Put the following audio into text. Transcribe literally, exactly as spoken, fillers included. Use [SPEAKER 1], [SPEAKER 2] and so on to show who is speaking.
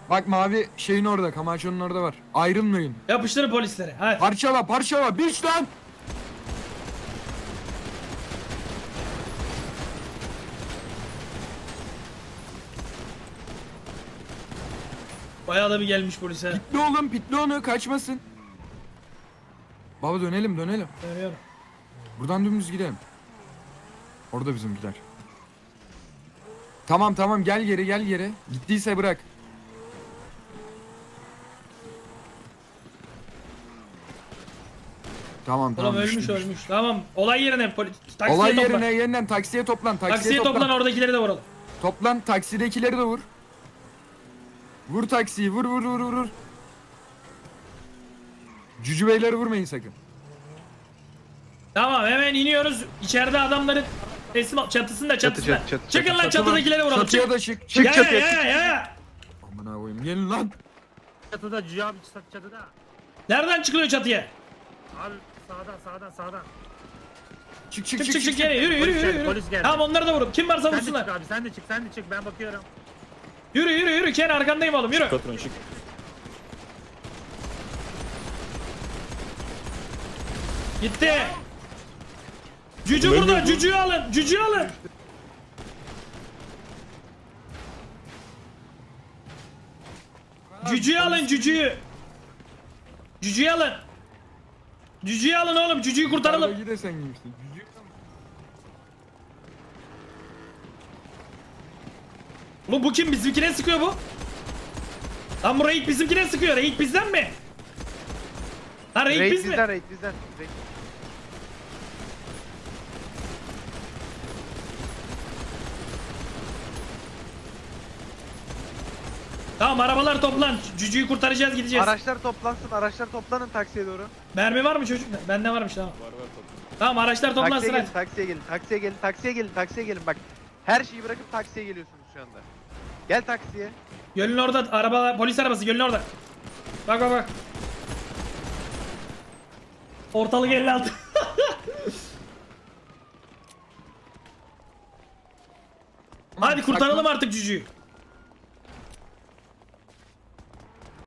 [SPEAKER 1] Bak mavi şeyin orada, Camacho'nun orada var. Ayrılmayın.
[SPEAKER 2] Yapıştırın polislere. Hadi.
[SPEAKER 1] Parçala parçala biç lan.
[SPEAKER 2] Bayağı da bir gelmiş polise.
[SPEAKER 1] Pitli oğlum, pitli onu, kaçmasın. Baba dönelim dönelim.
[SPEAKER 2] Dönüyorum.
[SPEAKER 1] Buradan dümdüz gidelim. Orada bizimkiler. Tamam tamam, gel geri gel geri. Gittiyse bırak. Tamam tamam.
[SPEAKER 2] Oğlum ölmüş
[SPEAKER 1] düştü,
[SPEAKER 2] ölmüş. Tamam. Olay yerine poli taksiye
[SPEAKER 1] Olay
[SPEAKER 2] toplan.
[SPEAKER 1] yerine yeniden taksiye toplan. Taksiye,
[SPEAKER 2] Taksiye
[SPEAKER 1] toplan.
[SPEAKER 2] toplan, oradakileri de vuralım.
[SPEAKER 1] Toplan, taksidekileri de vur. Vur taksiyi, vur vur vur vur. Cücü beyleri vurmayın sakın.
[SPEAKER 2] Tamam, hemen iniyoruz. İçeride adamların teslim al. Çatısında çatısında.
[SPEAKER 3] çatı, çatı,
[SPEAKER 2] Çıkın lan,
[SPEAKER 1] Çatı var.
[SPEAKER 2] çatıdakileri vuralım.
[SPEAKER 1] Çatıya
[SPEAKER 2] Çık.
[SPEAKER 1] da çık.
[SPEAKER 3] Çık
[SPEAKER 2] Ya
[SPEAKER 3] çatıya,
[SPEAKER 2] ya
[SPEAKER 3] çık.
[SPEAKER 2] ya ya.
[SPEAKER 1] Aman koyayım, gelin lan.
[SPEAKER 4] Çatıda Cüce abi çatıda.
[SPEAKER 2] Nereden çıkılıyor çatıya?
[SPEAKER 4] Abi sağdan sağdan sağdan.
[SPEAKER 1] Çık çık
[SPEAKER 2] Çık
[SPEAKER 1] çık
[SPEAKER 2] çık çık geri, yürü yürü
[SPEAKER 4] Polis
[SPEAKER 2] yürü.
[SPEAKER 4] geldi,
[SPEAKER 2] yürü.
[SPEAKER 4] polis geldi.
[SPEAKER 2] Tamam, onları da vurun. Kim varsa
[SPEAKER 4] Sen de
[SPEAKER 2] vursunlar.
[SPEAKER 4] çık abi sen de çık sen de çık ben bakıyorum.
[SPEAKER 2] Yürü yürü yürü. Ken arkandayım oğlum, yürü.
[SPEAKER 3] Patron çık.
[SPEAKER 2] Gitti. Cücü burada. Cücüğü alın. Cücüğü alın. Cücüğü alın, cücüğü. Cücüğü alın. Cücüğü alın oğlum. Cücüğü kurtaralım.
[SPEAKER 1] Arada gide sen giymişsin. Cücü.
[SPEAKER 2] Oğlum bu kim? Bizimkine sıkıyor bu. Lan bu raid bizimkine sıkıyor. Raid bizden mi? Lan raid,
[SPEAKER 3] Raid
[SPEAKER 2] biz mi?
[SPEAKER 3] bizden, raid bizden. Raid.
[SPEAKER 2] Tamam, arabalar toplan. Cücüğü kurtaracağız, gideceğiz.
[SPEAKER 3] Araçlar toplansın, araçlar toplanın taksiye doğru.
[SPEAKER 2] Mermi var mı çocuk? Bende varmış, tamam.
[SPEAKER 3] Var var toplan.
[SPEAKER 2] Tamam, araçlar toplansın
[SPEAKER 3] Taksiye gelin,
[SPEAKER 2] hadi.
[SPEAKER 3] taksiye gelin, taksiye gelin, taksiye gelin, taksiye gelin. Bak, her şeyi bırakıp taksiye geliyorsunuz şu anda. Gel taksiye.
[SPEAKER 2] Gölün orada araba, polis arabası gölün orada. Bak bak bak. Ortalık elli altı. Hadi kurtaralım artık cücüğü.